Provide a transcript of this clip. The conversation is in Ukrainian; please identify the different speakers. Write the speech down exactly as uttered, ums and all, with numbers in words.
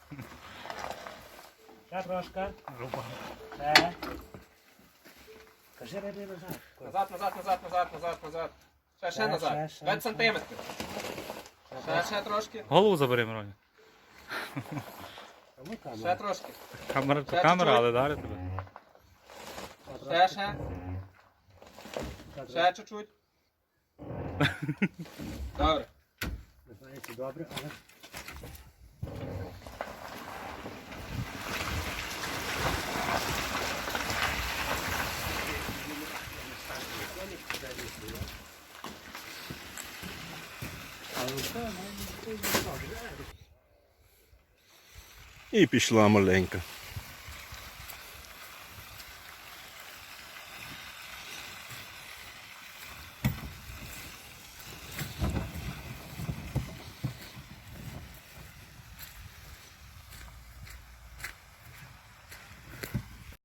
Speaker 1: Ще трошки.
Speaker 2: Руба.
Speaker 1: Ще. Кажи рибі назад.
Speaker 3: Назад, назад, назад, назад, назад, назад. Ще, ще
Speaker 1: Ще,
Speaker 3: назад.
Speaker 1: ще, ще,
Speaker 3: п'ять
Speaker 1: ще.
Speaker 3: сантиметрів. Ще, ще трошки.
Speaker 2: Голову забери, Мироня.
Speaker 1: Кому
Speaker 3: Ще
Speaker 1: камера?
Speaker 3: трошки.
Speaker 2: Камера,
Speaker 3: Ще
Speaker 2: камера,
Speaker 3: чуть-чуть.
Speaker 2: але дарить тебе.
Speaker 3: Ще, ще. Ще чуть-чуть. Добре.
Speaker 1: Не знаю, чи добре, але...
Speaker 4: І пішла маленька.